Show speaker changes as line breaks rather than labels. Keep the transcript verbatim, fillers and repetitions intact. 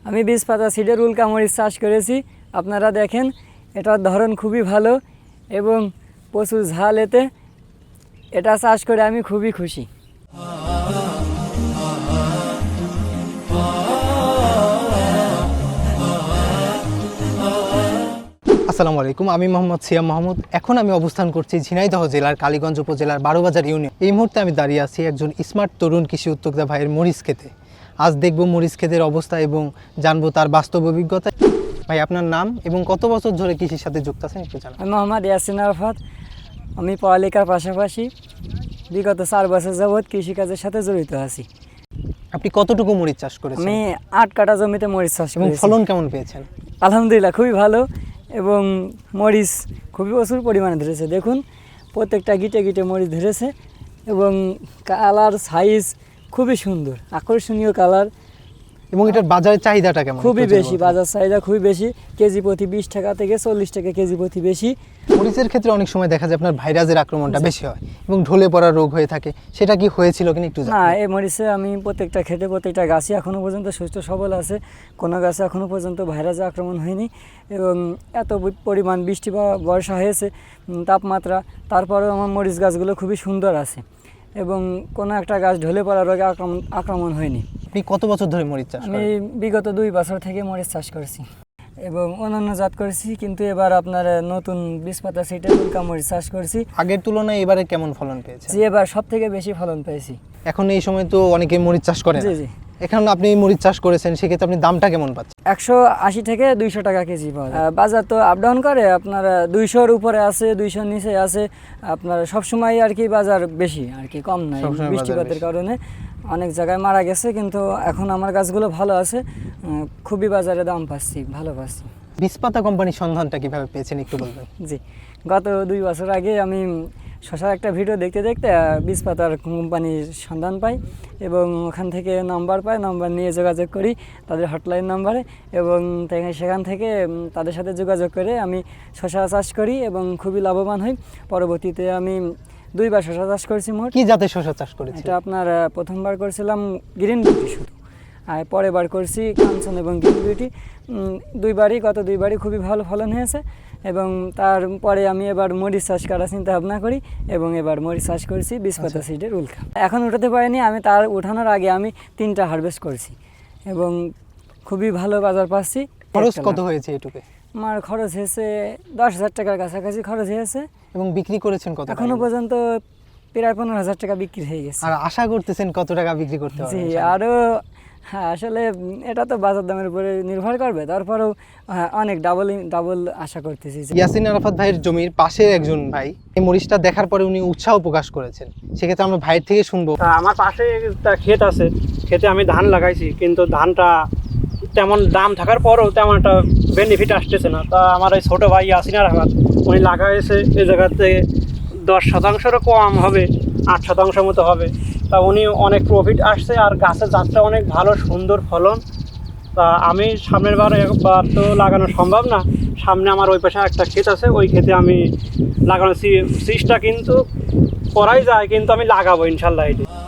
আমি বিশ পাতা সিডের উল্কা মরিচ চাষ করেছি। আপনারা দেখেন এটার ধরন খুবই ভালো এবং প্রচুর ঝাল এতে। এটা চাষ করে আমি খুবই খুশি।
আসসালামু আলাইকুম, আমি মোহাম্মদ সিয়াম মাহমুদ। এখন আমি অবস্থান করছি ঝিনাইদহ জেলার কালীগঞ্জ উপজেলার বারোবাজার ইউনিয়ন। এই মুহূর্তে আমি দাঁড়িয়ে আছি একজন স্মার্ট তরুণ কৃষি উদ্যোক্তা ভাইয়ের মরিচ খেতে। আজ দেখব মরিচ ক্ষেতের অবস্থা এবং জানবো তার বাস্তব অভিজ্ঞতা। ভাই, আপনার নাম এবং কত বছর ধরে কৃষির সাথে যুক্ত আছেন একটু জানান।
আমি মোহাম্মদ ইয়াসিন আরাফাত। আমি পড়ালেখার পাশাপাশি বিগত চার বছর যাবৎ কৃষিকাজের সাথে জড়িত আছি।
আপনি কতটুকু মরিচ চাষ করেছেন?
আমি আট কাঠা জমিতে মরিচ চাষ
এবং
করেছি।
ফলন কেমন পেয়েছেন?
আলহামদুলিল্লাহ খুবই ভালো এবং মরিচ খুবই প্রচুর পরিমাণে ধরেছে। দেখুন প্রত্যেকটা গিটে গিটে মরিচ ধরেছে এবং কালার সাইজ খুবই সুন্দর, আকর্ষণীয় কালার।
এবং এটার বাজারের চাহিদাটা কেমন?
খুবই বেশি, বাজার চাহিদা খুবই বেশি। কেজি প্রতি বিশ টাকা থেকে চল্লিশ টাকা কেজি প্রতি বেশি।
মরিচের ক্ষেত্রে অনেক সময় দেখা যায় আপনার ভাইরাসের আক্রমণটা বেশি হয় এবং ঢলে পড়া রোগ হয়ে থাকে, সেটা কি হয়েছিল কিনা একটু জানান।
না, এই মরিচে আমি প্রত্যেকটা খেতে প্রত্যেকটা গাছই এখনও পর্যন্ত সুস্থ সবল আছে। কোনো গাছে এখনও পর্যন্ত ভাইরাসের আক্রমণ হয়নি এবং এত পরিমাণ বৃষ্টি বা বর্ষা হয়েছে, তাপমাত্রা, তারপরেও আমার মরিচ গাছগুলো খুবই সুন্দর আছে এবং কোনো একটা গাছ ঢলে পড়া রোগে আক্রমণ আক্রমণ হয়নি।
আপনি কত বছর ধরে মরিচ চাষ করেন?
আমি বিগত দুই বছর থেকে মরিচ চাষ করেছি এবং অন্যান্য জাত করেছি, কিন্তু এবার আপনার নতুন বিশ পাতা সিটের উল্কা মরিচ চাষ করেছি।
আগের তুলনায় এবারে কেমন ফলন পেয়েছে?
জি, এবার সব থেকে বেশি ফলন পেয়েছি।
এখন এই সময় তো অনেকে মরিচ চাষ করে।
জি জি
এখন আপনি মরিচ চাষ করেছেন, সেক্ষেত্রে আপনি দামটা কেমন পাচ্ছেন?
একশো আশি থেকে দুইশো টাকা কেজি পাওয়া যায়। বাজার তো আপ ডাউন করে, আপনার দুইশোর উপরে আছে, দুইশোর নিচে আছে। আপনার সবসময় আর কি বাজার বেশি, আর কি কম নয়। বৃষ্টিপাতের কারণে অনেক জায়গায় মারা গেছে, কিন্তু এখন আমার গাছগুলো ভালো আছে, খুবই বাজারে দাম পাচ্ছি, ভালো পাচ্ছি।
বিশ পাতা কোম্পানির সন্ধানটা কিভাবে পেয়েছেন একটু বলবেন?
জি, গত দুই বছর আগে আমি শশার একটা ভিডিও দেখতে দেখতে বিশ পাতার কোম্পানির সন্ধান পাই এবং ওখান থেকে নাম্বার পাই। নাম্বার নিয়ে যোগাযোগ করি তাদের হটলাইন নাম্বারে এবং সেখান থেকে তাদের সাথে যোগাযোগ করে আমি শশা চাষ করি এবং খুবই লাভবান হই। পরবর্তীতে আমি দুইবার শশা চাষ করেছি। মোট
কি জাতের শশা চাষ করেছি?
এটা আপনার প্রথমবার করেছিলাম গ্রিন বিউটি শুধু, আর পরের বার করছি কাঞ্চন এবং গ্রিন বিউটি। দুইবারই গত দুইবারই খুবই ভালো ফলন হয়েছে এবং তারপরে আমি এবার মরিচ চাষ করার চিন্তা ভাবনা করি এবং এবার মরিচ চাষ করেছি বিশ পাতা সিডের উল্কা। এখন উঠাতে পারিনি, আমি তার উঠানোর আগে আমি তিনটা হারভেস্ট করেছি এবং খুবই ভালো বাজার পাচ্ছি।
খরচ কত হয়েছে এটুকে?
আমার খরচ হয়েছে দশ হাজার টাকার কাছাকাছি খরচ হয়েছে।
এবং বিক্রি করেছেন কত?
এখনো পর্যন্ত প্রায় পনেরো হাজার টাকা বিক্রি হয়ে গেছে।
আর আশা করতেছেন কত টাকা বিক্রি করতে পারবেন?
জি, আরও হ্যাঁ, আসলে এটা তো বাজার দামের উপরে নির্ভর করবে, তারপরেও হ্যাঁ অনেক ডাবল ডাবল আশা করতেছি।
ইয়াসিন আরাফাত ভাইয়ের জমির পাশে একজন ভাই এই মরিচটা দেখার পরে উনি উৎসাহ প্রকাশ করেছেন, সেক্ষেত্রে আমরা ভাইয়ের থেকে শুনবো।
আমার পাশে একটা ক্ষেত আছে, ক্ষেতে আমি ধান লাগাইছি, কিন্তু ধানটা তেমন দাম থাকার পরেও তেমন একটা বেনিফিট আসতেছে না। তা আমার এই ছোটো ভাই ইয়াসিন আরাফাত উনি লাগাইছে এই জায়গাতে দশ শতাংশেরও কম হবে, আট শতাংশ মতো হবে। তা উনি অনেক প্রফিট আসছে আর গাছের জাতটা অনেক ভালো, সুন্দর ফলন। তা আমি সামনের বার একবার তো লাগানো সম্ভব না, সামনে আমার ওই পাশে একটা ক্ষেত আছে, ওই ক্ষেতে আমি লাগানোর চেষ্টা কিন্তু করাই যায়, কিন্তু আমি লাগাবো ইনশাল্লাহ। এটি